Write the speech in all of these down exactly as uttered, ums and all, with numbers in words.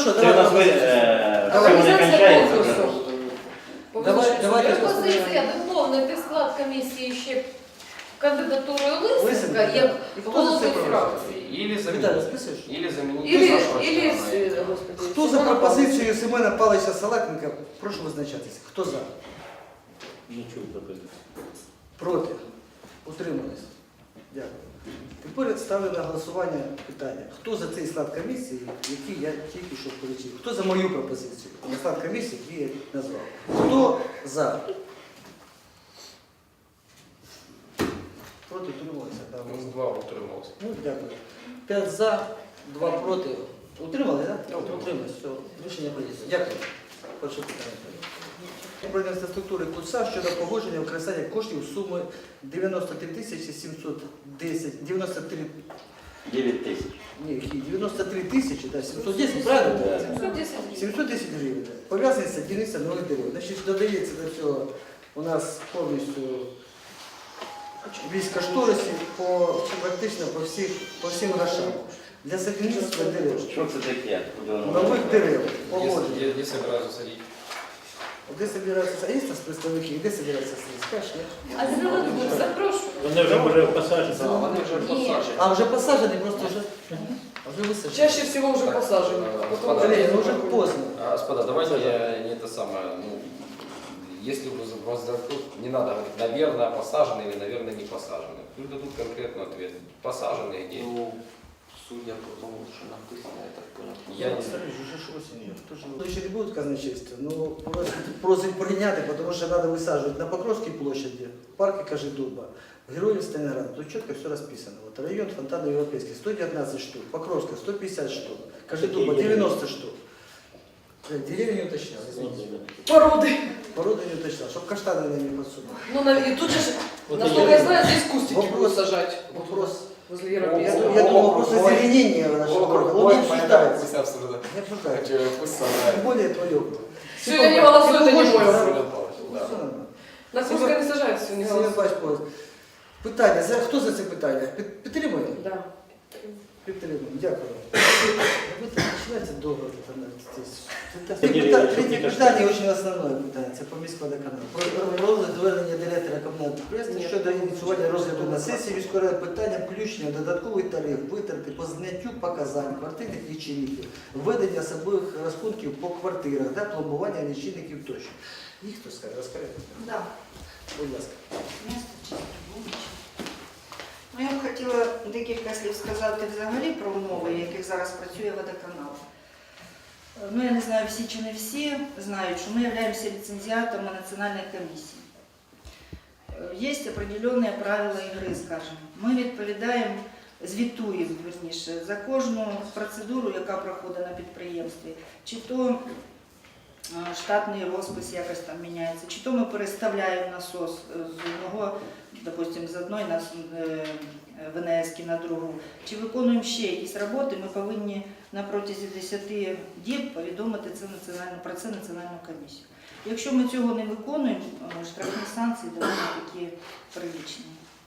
Хорошо, Це у нас ви, давай. е, все Давай. не кончається вже. Давай, давайте. Пропозиція доповнити склад комісії ще кандидатурою Лисенка, Лисенка, як і хто голови за це фракції. Или Віталій, заменить. списуєш? Или заменить. Ілі, нашего ілі, члена. господи, Хто за Семена пропозицію Семена Павловича Салатника? Прошу визначатися. Хто за? Не чую пропозицію. Проти? Утримались? Дякую. Тепер ставлю на голосування питання. Хто за цей склад комісії, який я тільки що полічив? Хто за мою пропозицію? На склад комісії, який я назвав. Хто за? Проти утрималися? Да, У нас два утрималось. Ну, дякую. П'ять за, два проти. Утримали, так? Да? Утримались. Все. Рішення прийнято. Дякую. Перше питання. Управління інфраструктури КУЦА щодо погодження використання коштів суми дев'яносто три тисячі сімсот десять, дев'яносто три, дев'ять тисяч. ні, які, дев'яносто три тисячі, да, сімсот десять, правильно? Да. сімсот десять. сімсот десять гривень. Пов'язані з дільниця нових дерев. Значить, додається до цього у нас повністю весь кошторисів по, практично по, всіх, по всім грошам. Для садівництва дерев. Що це таке? Куди воно? Нових дерев. Где, Погодження. где, где собираются садить? Де собираються, а є у нас представники, де собираються садити? Скажеш, ні? А Зеленбук, запрошую. Вони вже були посаджені. Да, они уже Нет. посажены. А вже посаджені, просто вже, а вже висаджені. Чаще всего уже посажены. э, Потом господа, Блин, ну уже уже поздно. А, Господа, давайте я не это самое, ну, если вы вас дадут, не надо говорить, наверное, посажены или, наверное, не посажены. Пусть дадут конкретный ответ. Посажены где? Ну, судя по тому, что написано, я так понял. Я не Смотри, уже ж осенью. Ну, еще не будет казначейства, но просить, просить принять, потому что надо высаживать на Покровской площади, в парке Кожедуба, Героев Сталинграда. Тут четко все расписано. Вот район Фонтана Европейский, сто девятнадцать штук, Покровская сто пятьдесят штук, Кожедуба девяносто штук. Деревья не уточнял, извините. породы. Породу не уточнял, чтобы каштаны не подсунули. Ну, на- и тут же, Вот насколько я- я знаю, здесь кустики Вопрос- будут сажать. Вопрос. Возле Я, Европейского. я думал, вопрос озеленения нашего города. Он не обсуждается. Пусть обсуждают. Не обсуждается. Хотя Пусть сажают. Тем более твое. Сегодня не голосуют, это не мой Семен вопрос. Павлович, Ну, да. все нормально. На Курской не сажают, все не Сергій голосуют. Павлович, питання. За, хто за це питання? Під- Підтримує? Да. Підтримує. Дякую. Ви так починаєте довго тут аналізитись. Це Це питання- дерев'я, Третє це питання дуже основне питання. Це по міськводоканалу. Про розгляд звернення директора комунального підприємства щодо ініціювання розгляду на сесії міської ради питання включення додатковий тариф, витрати по зняттю показань квартирних лічильників, введення особливих розрахунків по квартирах та пломбування лічильників тощо. Їх хто скаже? Розкажи. Да, Будь ласка. місто Чистовича. Ну, я б хотіла декілька слів сказати взагалі про умови, в яких зараз працює водоканал. Е, Ну, я не знаю, всі чи не всі знають, що ми являємося ліцензіатами національної комісії. Є определенні правила ігри, скажімо. Ми відповідаємо, звітуємо, верніше, за кожну процедуру, яка проходить на підприємстві. Чи то е, штатний розпис якось там міняється, чи то ми переставляємо насос з одного, допустим, з одної на ВНС на другу, чи виконуємо ще якісь роботи, ми повинні на протязі десяти діб повідомити це національну, про це національну комісію. Якщо ми цього не виконуємо, е, штрафні санкції доволі такі приличні.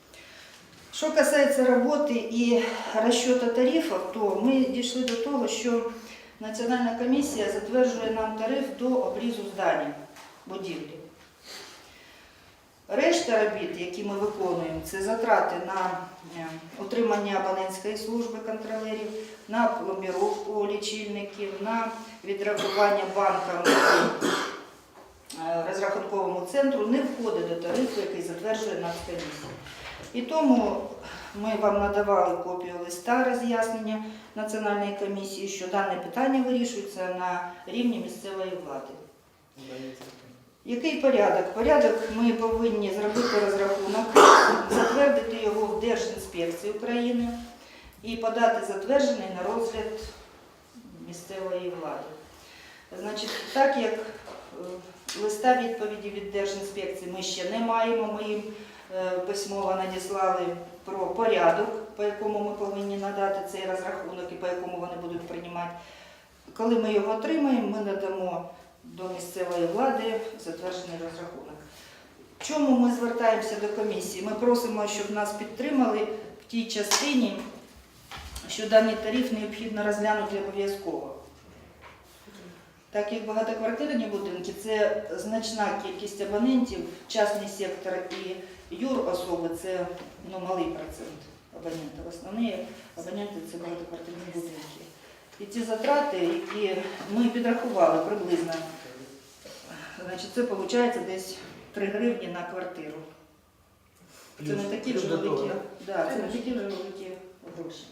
Що касається роботи і розчету тарифів, то ми дійшли до того, що Національна комісія затверджує нам тариф до обрізу здання, будівлі. Решта робіт, які ми виконуємо, це затрати на е, утримання абонентської служби контролерів, на пломбіровку лічильників, на відрахування банкам е, розрахунковому центру не входить до тарифу, який затверджує Нацкомісія. І тому ми вам надавали копію листа роз'яснення Національної комісії, що дане питання вирішується на рівні місцевої влади. Який порядок? Порядок ми повинні зробити розрахунок, затвердити його в Держінспекції України і подати затверджений на розгляд місцевої влади. Значить, так як е, листа відповіді від Держінспекції ми ще не маємо, ми їм е, письмово надіслали про порядок, по якому ми повинні надати цей розрахунок і по якому вони будуть приймати. Коли ми його отримаємо, ми надамо до місцевої влади затверджений розрахунок. Чому ми звертаємося до комісії? Ми просимо, щоб нас підтримали в тій частині, що даний тариф необхідно розглянути обов'язково. Так як багатоквартирні будинки, це значна кількість абонентів, частний сектор і юрособи – це ну, малий процент абонентів. Основні абоненти – це багатоквартирні будинки. І ті затрати, які ми підрахували приблизно, значить, це виходить десь три гривні на квартиру. Це не такі вже великі, да, це не такі вже великі гроші.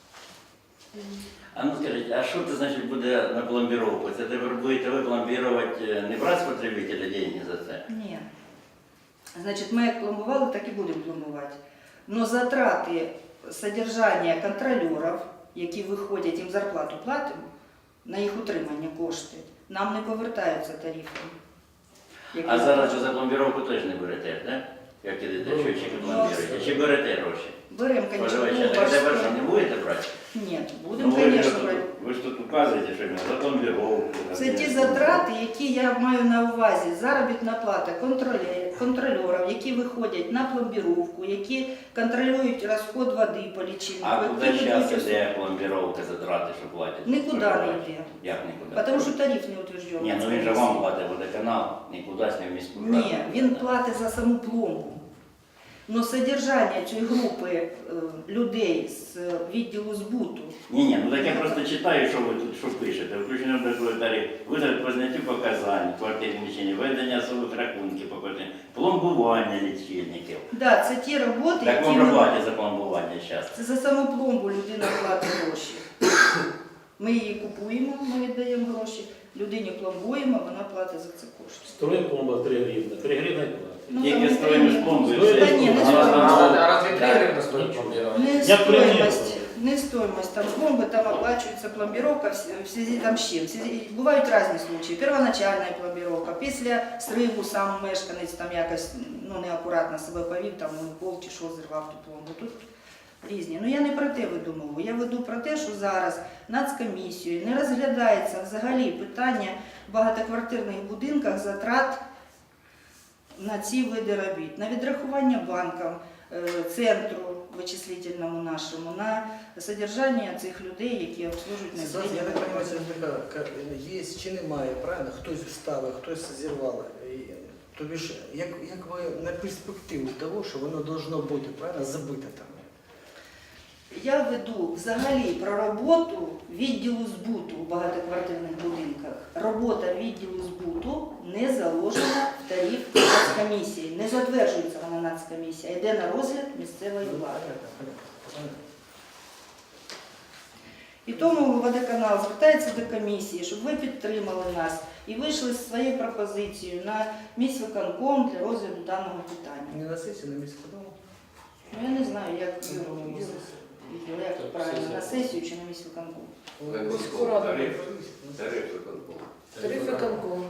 А ну скажіть, а що це значить буде на пломбіровку? Це тепер будете ви пломбірувати, не брати з потребителя деньги за це? Ні. Значить, ми як пломбували, так і будемо пломбувати. Но затрати содержання контролерів, які виходять, їм зарплату платимо, на їх утримання кошти, нам не повертаються тарифи. А зараз ви за пломбіровку теж не берете, так? Як ідете, що чи пломбіруєте? Чи берете гроші? Беремо, звісно, Споживача, так тепер що, не будете брати? Ні, Ну, будемо, ви, ж звісно, тут, брати. ви ж тут указуєте, що за пломбіровку. Це ті затрати, які я маю на увазі. Заробітна плата контроле- контролерів, які виходять на пломбіровку, які контролюють розход води по лічильнику. А куди які зараз ведуть іде пломбіровка затрати, що платять? Нікуди не споживачі? йде. Як нікуди? Тому що тариф не утверджений. Ні, ну він же вам платить водоканал, нікуди не в міську раду. Ні, він платить за саму пломбу. Но содержання цієї групи е, людей з е, відділу збуту, Ні, ні, ну так я просто читаю, що ви тут що пишете. Включено до такої тариф, витрат по зняттю показань, квартирні лічильні, ведення особих рахунків по квартирі, пломбування лічильників. да, це ті роботи, Так які вам ми... платять за пломбування зараз. Це за саму пломбу людина платить гроші. Ми її купуємо, ми віддаємо гроші, людині пломбуємо, вона платить за це кошти. Строим пломба три гривны. три гривны платить. Ну, Тільки там стоїмость не- пломби і Стоїть? все. Та ні, не А, стоїть. а, А разве три так. гривны стоит пломбирование? Не Я пример стоимость, говорю. не стоимость там пломбы, там оплачивается пломбировка в с- в связи там з чим. В связи- Бувають різні случаї. Первоначальна пломбировка, після стриву сам мешканець там якось ну, неакуратно себе повів, там ну, пол чи що зірвав ту пломбу. Тут різні. Ну я не про те веду мову. Я веду про те, що зараз Нацкомісією не розглядається взагалі питання в багатоквартирних будинках затрат на ці види робіт, на відрахування банкам, е, центру вичислительному нашому, на содержання цих людей, які обслужують Ситуація, я так населення. розумію, це така, є чи немає, правильно? Хтось вставив, хтось зірвав. І, тобі ж, як, як ви на перспективу того, що воно должно бути, правильно, забите там? Я веду взагалі про роботу відділу збуту у багатоквартирних будинках. Робота відділу збуту не заложена в тариф Нацкомісії, не затверджується вона Нацкомісія, а йде на розгляд місцевої влади. І тому водоканал звертається до комісії, щоб ви підтримали нас і вийшли з своєю пропозицією на міськвиконком для розгляду даного питання. Не на сесію, на міському. Ну я не знаю, як, Юр, як правильно, на сесію чи на міськвиконком. Тариф. Тариф виконкому. Тариф виконком.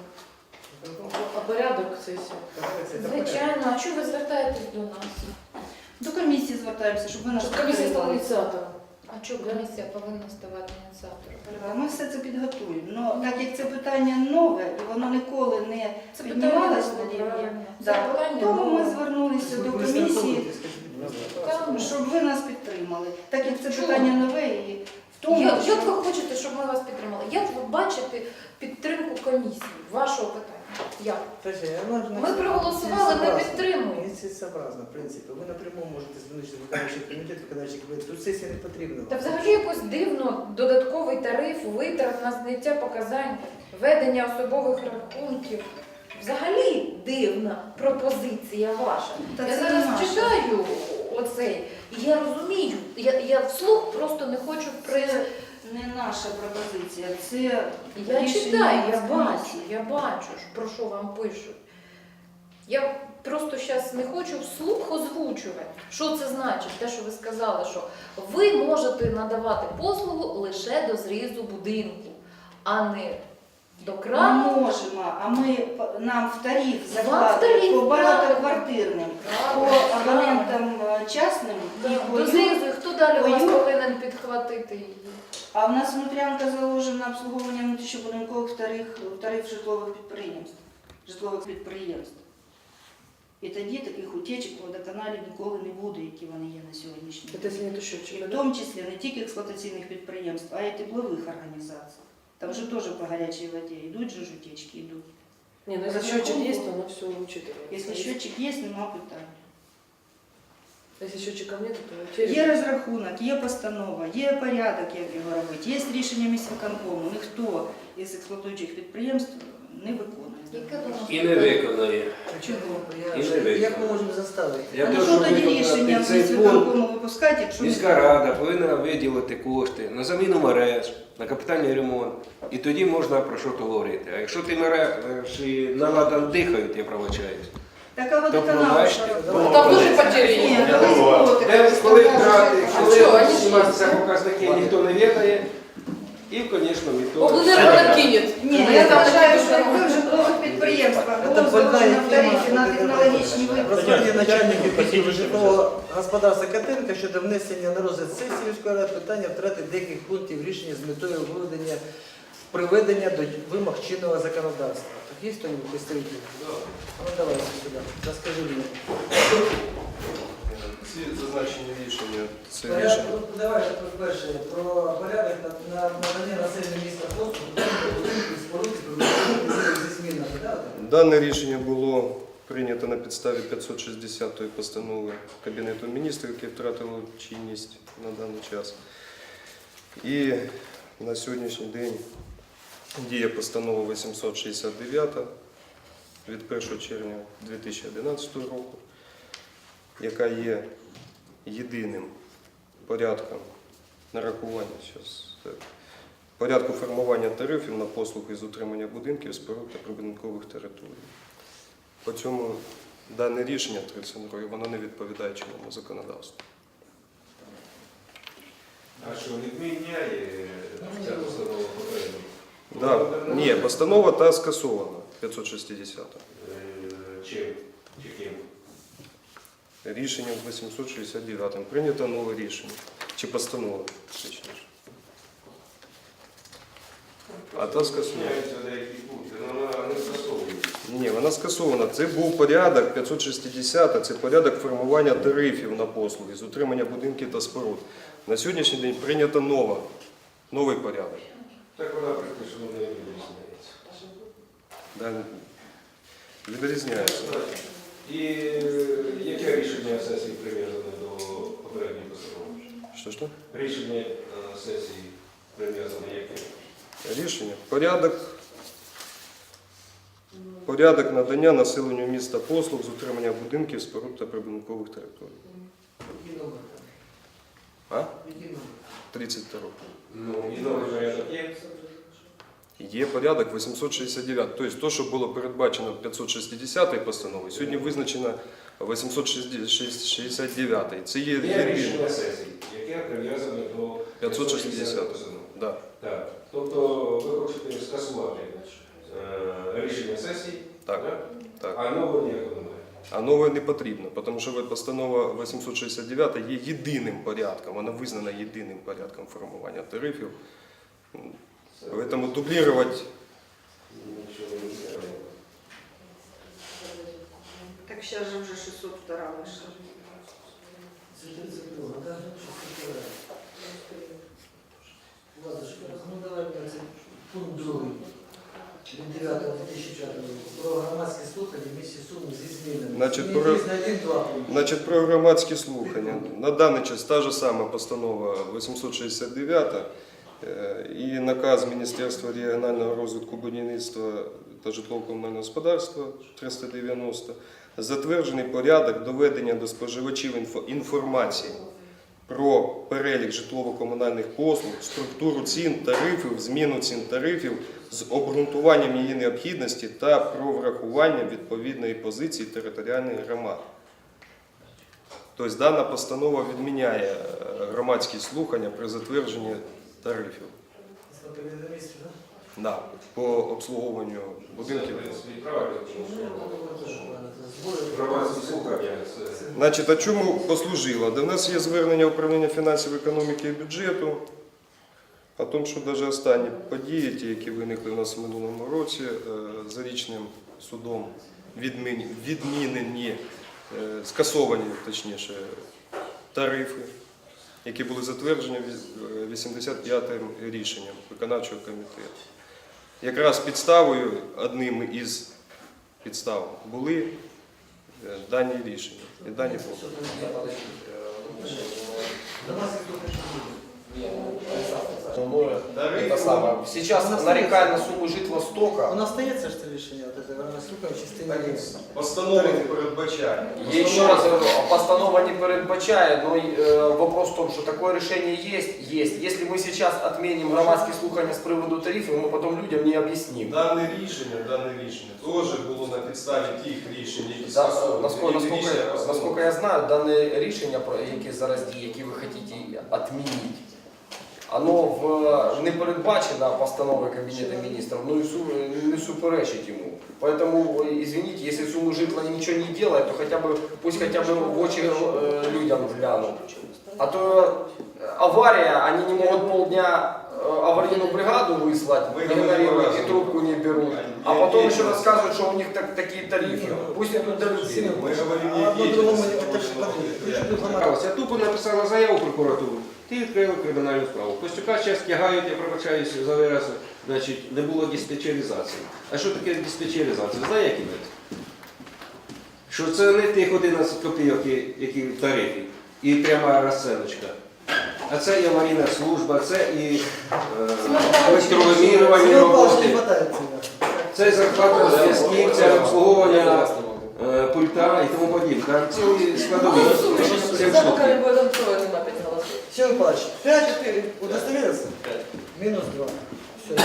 А порядок сесії? Звичайно, а чого ви звертаєтесь до нас? До комісії звертаємося, щоб ви нас Щоб комісія стала підтримали. ініціатором. А чого комісія повинна ставати ініціатором? Ми все це підготуємо. Ну, так як це питання нове і воно ніколи не Це піднімалось питання на рівні, правильно. Це да, питання тому ми нове. звернулися до комісії, щоб ви нас підтримали. Так як це Чому? питання нове і в тому, Як, що... як ви хочете, щоб ми вас підтримали? Як ви бачите підтримку комісії, вашого питання? Як? Ми проголосували, ми підтримуємо. Нецелесообразно, в принципі. Ви напряму можете звернутися в виконавчий комітет, виконавчий комітет. Тут сесія не потрібна. Та взагалі якось дивно додатковий тариф, витрат на зняття показань, ведення особових рахунків. Взагалі дивна пропозиція ваша. Та я це зараз не наша. читаю оцей, і я розумію, я, я вслух просто не хочу при. Це не наша пропозиція, це Я рішення читаю, я Нацкомісії. бачу, я бачу, про що вам пишуть. Я просто зараз не хочу вслух озвучувати, що це значить, те, що ви сказали, що ви можете надавати послугу лише до зрізу будинку, а не до Ми крану. можемо, а ми нам в тариф в закладають тариф, по багатоквартирним, по Правильно, абонентам е, частним і Да, по до зрізу, і хто далі у вас Ой, повинен підхватити її? А в нас внутрянка заложена обслуговування внутрішньобудинкових тариф, тариф житлових підприємств, житлових підприємств. І тоді таких утечок у водоканалі ніколи не буде, які вони є на сьогоднішній Це день. зміни І счетчика, в да? тому числі не тільки експлуатаційних підприємств, а й теплових організацій. Там же тоже по горячей воде идут же утечки, идут. Не, ну если счетчик есть, то оно все учитывается. Если счетчик есть, нема питань. Если счетчика нет, то через... Є розрахунок, є постанова, є порядок, як його робити, є рішення міськвиконкому. Ніхто із експлуатуючих підприємств не виконує. Яке воно? І не виконає. Чого? І Я- не виконано. Як ми можемо заставити? Я А ну теж що тоді виконати рішення цей пункт. міськвиконкому випускати, якщо Міська рада повинна виділити кошти на заміну мереж, на капітальний ремонт. І тоді можна про що то говорити. А якщо ті мережі наладан дихають, я пробачаюсь. така То водоканал. пробачте. Там дуже потери Ні, есть. колись було таке. Де, коли брати, А коли що, вони ж зніматися показники, ніхто не відає. І, звісно, ніхто... Облэнерго накинет. Ні, Ну, я там вважаю, такі що якби дуже в житлових підприємствах Це було больна заложено в тарифі тема. на технологічні виплати. Розповідні начальники Спасибо. житлового господарства Катенка щодо внесення на розгляд сесії міської ради питання втрати деяких пунктів рішення з метою виведення приведення до вимог чинного законодавства. Так є хто-нибудь представитель? Ну давай сюди, розкажи мені. Ці зазначені рішення, це Порядок, рішення. ну, давай перше про порядок на- на надання населення міста послуг, будинків, споруд, зі змінами. Да? Дане рішення було прийнято на підставі п'ятсот шістдесятої постанови Кабінету міністрів, яке втратило чинність на даний час. І на сьогоднішній день діє постанова вісімсот шістдесят дев'ята від першого червня дві тисячі одинадцятого року, яка є єдиним порядком нарахування щас, е, порядку формування тарифів на послуги з утримання будинків, споруд та прибудинкових територій. По цьому дане рішення тридцять років, воно не відповідає чинному законодавству. А що, відміняє ця постанова попередньо? Да, ні, постанова та скасована, п'ятсот шістдесята. Чим? Чи ким? Рішенням вісімсот шістдесят дев'ятим прийнято нове рішення. Чи постанова, точніше. А та скасована. Міняються деякі пункти, але вона не скасовується. Ні, вона скасована. Це був порядок п'ятсот шістдесят, це порядок формування тарифів на послуги з утримання будинків та споруд. На сьогоднішній день прийнято нова, новий порядок. Так вона практично не відрізняється. Да, відрізняється. І яке рішення сесії прив'язане до попередньої постанови? Що ж то? Рішення е, сесії прив'язане яке? Рішення. Порядок, порядок надання населенню міста послуг з утримання будинків, споруд та прибудинкових територій. Який номер? А? Який номер? тридцять два. Ну, і новий порядок є. Є порядок вісімсот шістдесят дев'ять. Тобто, то, що було передбачено п'ятсот шістдесятою постановою, сьогодні визначено вісімсот шістдесят дев'ятою. Це є Є єдине. рішення сесії, яке прив'язане до п'ятсот шістдесятої. постанови. Да. Так. Тобто ви хочете скасувати е, рішення сесії, Так, да? так. А нового ніякого немає. А нове не потрібно, тому що постанова вісімсот шістдесят дев'ята є єдиним порядком, вона визнана єдиним порядком формування тарифів. Тому дублювати Нічого не треба. Так зараз же вже шістсот два вийшла. Це тридцять два, да? шістдесят два. Ладно, що, ну давай на цей пункт другий. Від дев'ятого дві тисячі п'ятого року. Про громадські слухання в місті Суми зі змінами. Значить, Зміни про- є на один-два пункти. Значить, про громадські слухання. На даний час та ж сама постанова вісімсот шістдесят дев'ята е, і наказ Міністерства регіонального розвитку будівництва та житлово-комунального господарства триста дев'яносто затверджений порядок доведення до споживачів інфо- інформації про перелік житлово-комунальних послуг, структуру цін, тарифів, зміну цін тарифів з обґрунтуванням її необхідності та про врахування відповідної позиції територіальних громад. Тобто дана постанова відміняє е, громадські слухання при затвердженні тарифів. Це Кабінету Міністрів, да? Да, по обслуговуванню будинків. Це, в принципі, правильно, тому Ну, що це ж, ладно, це збори. громадські слухання це Значить, а чому послужило? До нас є звернення управління фінансів, економіки і бюджету о тому, що навіть останні події, ті, які виникли у нас в минулому році, е, зарічним судом відмін- відмінені, е, скасовані, точніше, тарифи які були затверджені вісімдесят п'ятим рішенням виконавчого комітету. Якраз підставою, одним із підстав, були е, дані рішення і дані пункти. Ну, это самое. Сейчас нарекая на сумму житла стока. У нас стається ж це рішення, от це вона слухає в частині. Постанова не передбачає. Я еще раз говорю, постанова не передбачає, но э, вопрос в том, что такое решение есть, есть. Если мы сейчас отменим громадские слухания с приводу тарифов, мы потом людям не объясним. Дане рішення, дане рішення теж було на підставі тих рішень, які Да, скасовували. насколько, Які насколько, рішення постанови. насколько я знаю, дане рішення, про яке зараз діє, яке ви хочете відмінити, оно в, не передбачено постановой Кабинета министров, но и су, не суперечить ему. Поэтому, извините, если сумму житла ничего не делает, то хотя бы, пусть хотя бы в очи э, людям глянут. А то авария, они не могут полдня э, аварийную бригаду выслать, игнорируют и трубку не берут. А потом еще рассказывают, что у них так, такие тарифы. Пусть идут до людей. Ми говоримо, А одно які другому це ж подивіться. Я тупо написала заяву в прокуратуру, ти відкрили кримінальну справу. Костюка зараз тягають, я пробачаюся за вираз, значить, не було диспетчеризації. А що таке диспетчеризація? Знає, який метод? Що це не тих одинадцять копійок, які в тарифі, і пряма розценочка. А це і аварійна служба, це і е, електровимірювання Сергій Павлович роботи. не хватає цього. Це і зарплата зв'язків, це обслуговування е, пульта і тому подібне. Так, цілі складові. Сім За штук. пока не будет отстроен, им опять голосуют. Сергій Павлович, п'ять-чотири удостоверился? Мінус два. Все.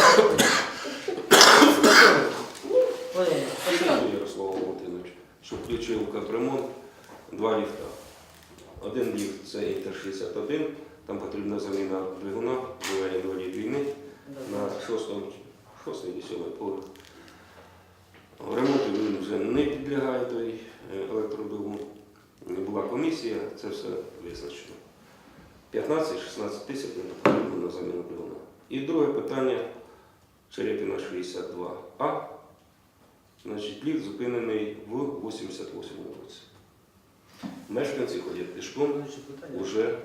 Спасибо, Ярослав Валентинович, що включив в капремонт два ліфта. Один ліфт це Інтер шістдесят один, там потрібна заміна двигуна, двигуна інвалід війни на шостому, шостий і сьомий поверх. Ремонту він вже не підлягає той електродвигун. Була комісія, це все визначено. п'ятнадцять-шістнадцять тисяч не потрібно на заміну двигуна. І друге питання Черепіна шістдесят два А. Значить, ліфт зупинений в вісімдесят восьмому році. Мешканці ходять пішком вже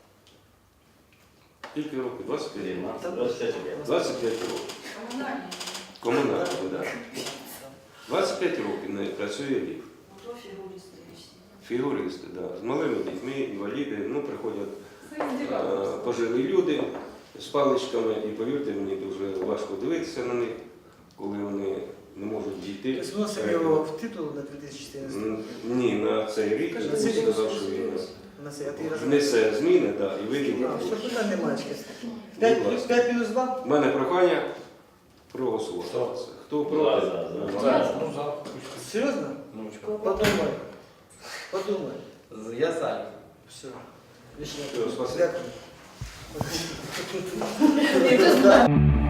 скільки років? двадцять п'ять років. двадцять п'ять років. Комунальні, так. двадцять п'ять років не працює ліфт. Фігуристи, так. Да. З малими дітьми, інваліди, ну, приходять е, пожилі люди з паличками, і повірте мені, дуже важко дивитися на них, коли вони не можуть дійти. Тобто вносимо його в титул на дві тисячі чотирнадцятий? М, Ні, на цей рік Кажи, він на цей рік сказав, що він На це, а ти розумієш? внесе зміни, да, і виділить. А, все, питань немає. п'ять мінус два? У мене прохання проголосувати. Що? Хто проти? За, За, ну, за. Серйозно? Ну, чё. Подумай. Подумай. Я за. Все. Рішення. Все, спасибо. Дякую. Ні, ти знаєш.